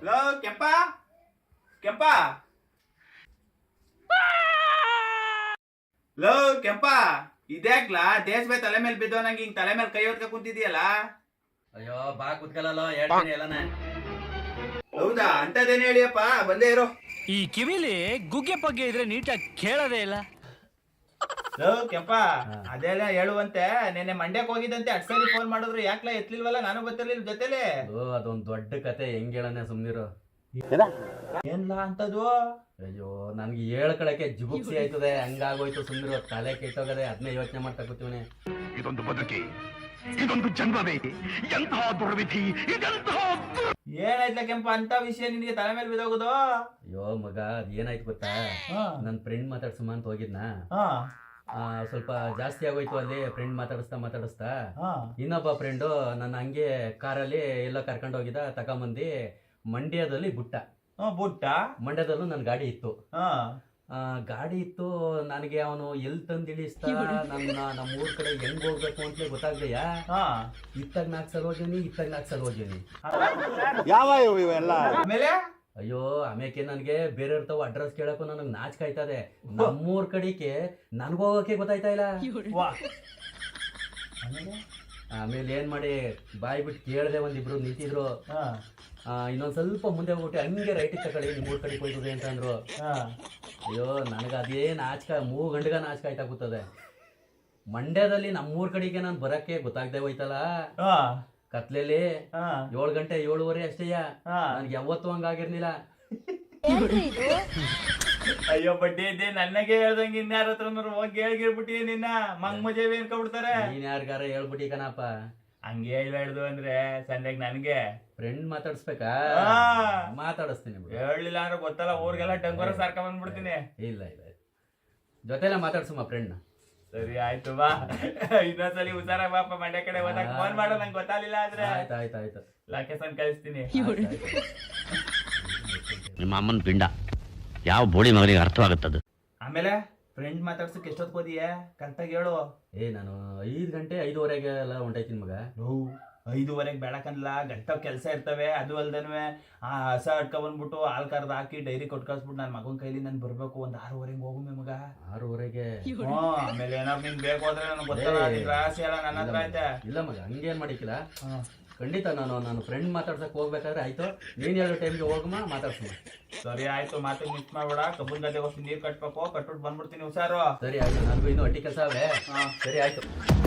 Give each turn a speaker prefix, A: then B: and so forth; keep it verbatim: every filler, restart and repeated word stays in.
A: Hello ಕೆಂಪ ಕೆಂಪ low ಕೆಂಪ ಇದ್ಯಾಕ್ಲಾ ದೇಶಬೇ ತಲೆ ಮೇಲೆ ಬಿದ್ದೋ ನಂಗೆ ಹಿಂಗ್ ತಲೆ ಮೇಲೆ ಕೈ ಹೊತ್ಕ ಕುಂತಿದ್ಯಲ್ಲ.
B: ಅಯ್ಯೋ ಬಾ ಕುತ್ಕಲ್ಲ ಹೇಳ್ತೀನಿ ಎಲ್ಲಾನೆ.
A: ಹೌದಾ ಅಂತದೇನು ಹೇಳಿಯಪ್ಪ, ಬಂದೇ ಇರೋ.
C: ಈ ಕಿವಿಲಿ ಗುಗ್ಗೆ ಪಗ್ಗೆ ಇದ್ರೆ ನೀಟಾಗಿ ಕೇಳೋದೇ ಇಲ್ಲ.
A: ಲೋ ಕೆಂಪ ಅದೆಲ್ಲ ಹೇಳುವಂತೆ ನೆನ್ನೆ ಮಂಡ್ಯಕ್ಕೆ ಹೋಗಿದ್ದಂತೆ ಅಟ್ ಸರಿ ಫೋನ್ ಮಾಡಿದ್ರು ಯಾಕ್ಲಾ ಎತ್ಲಿಲ್ವಲ್ಲ, ನಾನು ಗೊತ್ತಿರ್ಲಿಲ್ಲ ಜೊತೆಲಿ.
B: ಅದೊಂದ್ ದೊಡ್ಡ ಕತೆ, ಹೆಂಗ್ ಹೇಳನೆ ಸುಮ್ನಿರು.
A: ಏನ್ಲಾ ಅಂತದು?
B: ಅಯ್ಯೋ ನನ್ಗೆ ಹೇಳ್ಕೊಳಕ್ಕೆ ಜುಗುಪ್ಸಿ ಆಯ್ತದೆ, ಹಂಗಾಗೋಯ್ತು ಸುಮ್ನಿರು. ತಲೆ ಕೆಟ್ಟೋಗದೆ, ಅದನ್ನೇ ಯೋಚನೆ ಮಾಡ್ತಾ ಕೂತೀವನೆ.
D: ಇದೊಂದು ಬದುಕಿ, ಇದೊಂದು ಜನ್ಮವೇ, ಎಂತಹ ದುರ್ವಿಧಿ ಇದೆಂತಹ.
A: ಏನಾಯ್ತಲ್ಲ ಕೆಂಪ ಅಂತ ವಿಷಯ ನಿನ್ಗೆ ತಲೆ ಮೇಲೆ ಬಿದ್ದೋಗುದು?
B: ಅಯ್ಯೋ ಮಗ ಅದ್ ಏನಾಯ್ತು ಗೊತ್ತಾ, ನನ್ ಫ್ರೆಂಡ್ ಮಾತಾಡ್ಸುಮ ಅಂತ ಹೋಗಿದ್ನ, ಸ್ವಲ್ಪ ಜಾಸ್ತಿ ಆಗೋಯ್ತು ಅಲ್ಲಿ. ಫ್ರೆಂಡ್ ಮಾತಾಡಿಸ್ತಾ ಮಾತಾಡಿಸ್ತಾ ಇನ್ನೊಬ್ಬ ಫ್ರೆಂಡು ನನ್ನ ಹಂಗೆ ಕಾರಲ್ಲಿ ಎಲ್ಲ ಕರ್ಕೊಂಡು ಹೋಗಿದ್ದ, ತಗೊಂಬಂದಿ ಮಂಡ್ಯದಲ್ಲಿ ಬುಟ್ಟ.
A: ಬುಟ್ಟ
B: ಮಂಡ್ಯದಲ್ಲೂ ನನ್ ಗಾಡಿ ಇತ್ತು. ಗಾಡಿ ಇತ್ತು ನನಗೆ. ಅವನು ಎಲ್ ತಂದು ಇಳಿಸ್ತಾ ನನ್ನ ನಮ್ಮ ಊರ್ ಕಡೆ ಹೆಂಗ್ ಹೋಗ್ಬೇಕು ಅಂತಲೇ ಗೊತ್ತಾಗ್ದೆಯಾ. ಇತ್ತಾಗ ನಾಲ್ಕು ಸಲ ಹೋಗ್ತೀನಿ, ಇತ್ತಾಗ ನಾಲ್ಕು ಸಲ ಹೋಗ್ತೀನಿ.
A: ಯಾವ ಇವೆಲ್ಲ ಆಮೇಲೆ?
B: ಅಯ್ಯೋ ಆಮೇಕೆ ನನ್ಗೆ ಬೇರೆ ಇರ್ತಾವ ಅಡ್ರೆಸ್ ಕೇಳಕ್ಕೂ ನನಗ್ ನಾಚಿಕೆ ಆಯ್ತದೆ. ನಮ್ಮೂರ್ ಕಡೆಗೆ ನನ್ಗೋಗಕ್ಕೆ ಗೊತ್ತಾಯ್ತಾ ಇಲ್ಲ. ಆಮೇಲೆ ಏನ್ ಮಾಡಿ ಬಾಯ್ ಬಿಟ್ಟು ಕೇಳದೆ, ಒಂದಿಬ್ರು ನಿಂತಿದ್ರು. ಇನ್ನೊಂದ್ ಸ್ವಲ್ಪ ಮುಂದೆ ಹೋಗ್ಬಿಟ್ಟು ಹಂಗೆ ರೈಟಿಗೆ ತಗೊಳ್ಳಿ ನಿಮ್ಮೂರ್ ಕಡೆಗೆ ಹೋಯ್ತದೆ ಅಂತ ಅಂದ್ರು. ಅಯ್ಯೋ ನನಗ ಅದೇನ್ ನಾಚಿಕ, ಮೂರು ಗಂಟೆಗ ನಾಚಿಕ ಆಯ್ತಾ ಕೂತದೆ. ಮಂಡ್ಯದಲ್ಲಿ ನಮ್ಮೂರ್ ಕಡೆಗೆ ನಾನು ಬರಕ್ಕೆ ಗೊತ್ತಾಗ್ದೆ ಹೋಯ್ತಲ್ಲ, ಕತ್ಲೆಲಿ ಏಳು ಗಂಟೆ ಏಳುವರೆ ಅಷ್ಟೇಯ. ನನ್ಗೆ ಯಾವತ್ತೂ ಹಂಗಾಗಿರ್ಲಿಲ್ಲ.
A: ಅಯ್ಯೋ ಬಡ್ಡಿ ಇದ್ದೆ ನನಗೆ ಹೇಳ್ದಂಗೆ ಇನ್ಯಾರ ಹತ್ರ ಹೋಗಿ ಹೇಳ್ಗಿರ್ಬಿಟ್ಟಿ ನಿನ್ನ ಮಂಗ್ ಮಜೆ ಏನ್ಕೊಬಿಡ್ತಾರೆ.
B: ನೀನ್ ಯಾರಿಗಾರ ಹೇಳ್ಬಿಟ್ಟಿ ಕಣಪ್ಪ.
A: ಹಂಗೆ ಹೇಳ್ಬಾರ್ದು ಅಂದ್ರೆ ಸಂಜೆಗ್ ನನ್ಗೆ
B: ಫ್ರೆಂಡ್ ಮಾತಾಡ್ಸ್ಬೇಕಾ? ಮಾತಾಡಿಸ್ತೀನಿ.
A: ಹೇಳಲಿಲ್ಲ ಅಂದ್ರೆ ಗೊತ್ತಲ್ಲ, ಊರಿಗೆಲ್ಲ ಡಂಗೋರ ಸಾರ್ಕ ಬಂದ್ಬಿಡ್ತೀನಿ.
B: ಇಲ್ಲ ಇಲ್ಲ ಜೊತೆಲ್ಲ ಮಾತಾಡ್ಸಮ್ಮ ಫ್ರೆಂಡ್.
A: ಸರಿ ಆಯ್ತು ಬಾ, ಇನ್ನೊಂದ್ಸಲಿ ಹುಷಾರ ಬಾಪ. ಮಂಡ್ಯ ಕಡೆ ಹೋದಾಗ ಫೋನ್ ಮಾಡೋ, ನಂಗೆ ಗೊತ್ತಾಗ್ಲಿಲ್ಲ ಅಂದ್ರೆ.
B: ಆಯ್ತು ಆಯ್ತು ಆಯ್ತು
A: ಲೊಕೇಶನ್ ಕಳಿಸ್ತೀನಿ.
D: ನಿಮ್ಮ ಅಮ್ಮನ ಪಿಂಡ ಯಾವ ಬೋಳಿ ಮಗನಿಗೆ ಅರ್ಥವಾಗುತ್ತದು.
A: ಆಮೇಲೆ ಫ್ರೆಂಡ್ ಮಾತಾಡ್ಸಕ್ ಎಷ್ಟೊತ್ತು ಹೋದಿಯೇ ಕರೆಕ್ಟಾಗಿ ಹೇಳು.
B: ಏ ನಾನು ಐದು ಗಂಟೆ ಐದುವರೆಗೆ ಎಲ್ಲ ಹೊಂಟೈತೀನಿ ಮಗ.
A: ಐದುವರೆಗೆ ಬೆಳಕನ್ಲ ಗಂಟ ಕೆಲಸ ಇರ್ತವೆ. ಅದು ಅಲ್ದನ್ವೆ ಆ ಹಸ ಅಡ್ಕ ಬಂದ್ಬಿಟ್ಟು ಹಾಲ್ ಕರ್ದು ಹಾಕಿ ಡೈರಿ ಕೊಟ್ಟು ಕಳ್ಸ್ಬಿಟ್ಟು ನನ್ನ ಮಗನ ಕೈಲಿ ನಾನು ಬರ್ಬೇಕು. ಒಂದ್ ಆರೂವರೆಗೆ ಹೋಗುಮೆ ಮಗ.
B: ಆರೂವರೆಗೆ?
A: ಹ್ಮ್ ಆಮೇಲೆ ಏನಾದ್ರು ನಿನ್ ಬೇಕು ಹೋದ್ರೆ ನನಗೆ ಗೊತ್ತಲ್ಲ, ರಾಶಿ ಎಲ್ಲ ನನ್ನ ಹತ್ರ ಐತೆ.
B: ಇಲ್ಲ ಮಗ ಹಂಗೇನ್ ಮಾಡಿಕ್ಕಿಲ್ಲ, ಖಂಡಿತ ನಾನು ನಾನು ಫ್ರೆಂಡ್ ಮಾತಾಡ್ಸಕ್ ಹೋಗ್ಬೇಕಾದ್ರೆ ಆಯ್ತು, ನೀನ್ ಹೇಳೋ ಟೈಮ್ಗೆ ಹೋಗಮ್ಮ ಮಾತಾಡ್ಸಮ್ಮ.
A: ಸರಿ ಆಯ್ತು, ಮಾತು ಮಿಸ್ ಮಾಡ್ಬೇಡ. ಕಬ್ಬನ್ ಗದ್ದೆ ಹೋಗಿ ನೀರ್ ಕಟ್ಬೇಕು, ಕಟ್ಬಿಟ್ಟು ಬಂದ್ಬಿಡ್ತೀನಿ ಹುಷಾರು.
B: ಸರಿ ಆಯ್ತು, ನನಗೂ ಇನ್ನೂ ಅಟ್ಟಿ ಕೆಲಸ ಅವೇ. ಸರಿ ಆಯ್ತು.